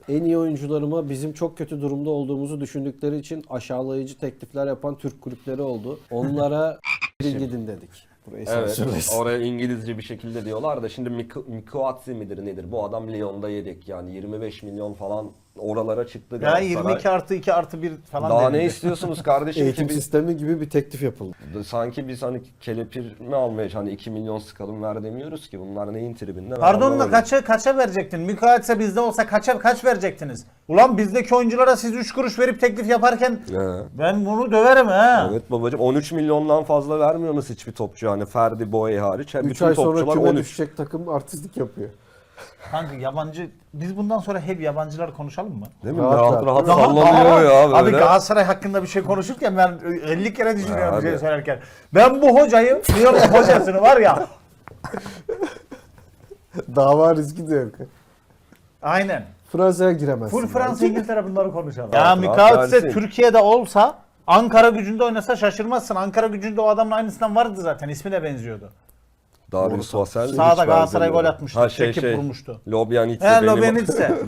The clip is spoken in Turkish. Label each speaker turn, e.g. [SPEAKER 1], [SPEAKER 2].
[SPEAKER 1] en iyi oyuncularıma bizim çok kötü durumda olduğumuzu düşündükleri için aşağılayıcı teklifler yapan Türk kulüpleri oldu. Onlara gidin dedik. Burayı
[SPEAKER 2] Evet,
[SPEAKER 1] sansürlesin.
[SPEAKER 2] oraya İngilizce bir şekilde diyorlar da şimdi Mikuatsi midir nedir? Bu adam Lyon'da yedek yani 25 milyon falan oralara çıktı
[SPEAKER 3] Ya
[SPEAKER 2] Galatasaray.
[SPEAKER 3] 22 artı 2 artı 1 falan
[SPEAKER 2] Daha
[SPEAKER 3] denildi.
[SPEAKER 2] ne istiyorsunuz kardeşim
[SPEAKER 1] Eğitim
[SPEAKER 2] ki biz
[SPEAKER 1] sistemi gibi bir teklif yapıldı.
[SPEAKER 2] sanki biz hani kelepir mi almaya hani 2 milyon sıkalım ver demiyoruz ki bunlar neyin tribinde? ben
[SPEAKER 3] Pardon da
[SPEAKER 2] anlamadım.
[SPEAKER 3] kaça verecektin? Mükaitse bizde olsa kaç verecektiniz? Ulan bizdeki oyunculara siz 3 kuruş verip teklif yaparken
[SPEAKER 2] He.
[SPEAKER 3] ben bunu döverim ha.
[SPEAKER 2] Evet babacım 13 milyondan fazla vermiyorsunuz hiçbir topçu hani Ferdi Boye hariç.
[SPEAKER 1] 3
[SPEAKER 2] Bütün
[SPEAKER 1] ay sonra
[SPEAKER 2] topçular
[SPEAKER 1] küme
[SPEAKER 2] 13.
[SPEAKER 1] düşecek takım artistlik yapıyor.
[SPEAKER 3] Kanka yabancı, biz bundan sonra hep yabancılar konuşalım mı?
[SPEAKER 2] Değil mi?
[SPEAKER 1] Rahat
[SPEAKER 2] Rahat
[SPEAKER 1] rahat.
[SPEAKER 2] rahat sallanıyor ya
[SPEAKER 3] Abi
[SPEAKER 2] böyle.
[SPEAKER 3] Galatasaray hakkında bir şey konuşurken ben 50 kere düşünüyorum
[SPEAKER 2] Abi.
[SPEAKER 3] bir şey söylerken. Ben bu hocayı, Lyon'un hocasını var ya.
[SPEAKER 1] Dava riski de yok.
[SPEAKER 3] Aynen.
[SPEAKER 1] Fransa'ya giremezsin.
[SPEAKER 3] Full Fransa İngiltere bunları konuşalım.
[SPEAKER 2] Rahat
[SPEAKER 3] Ya
[SPEAKER 2] rahat
[SPEAKER 3] Mikautse
[SPEAKER 2] versin.
[SPEAKER 3] Türkiye'de olsa Ankara Gücü'nde oynasa şaşırmazsın. Ankara Gücü'nde o adamın aynısından vardı zaten. İsmi de benziyordu.
[SPEAKER 2] Darius Vassell hiç
[SPEAKER 3] Sağda Galatasaray
[SPEAKER 2] benzemiyor.
[SPEAKER 3] gol atmıştı.
[SPEAKER 2] Ha
[SPEAKER 3] Çekip vurmuştu.
[SPEAKER 2] Lobyanitse
[SPEAKER 3] He
[SPEAKER 2] benim
[SPEAKER 3] Lobenitse.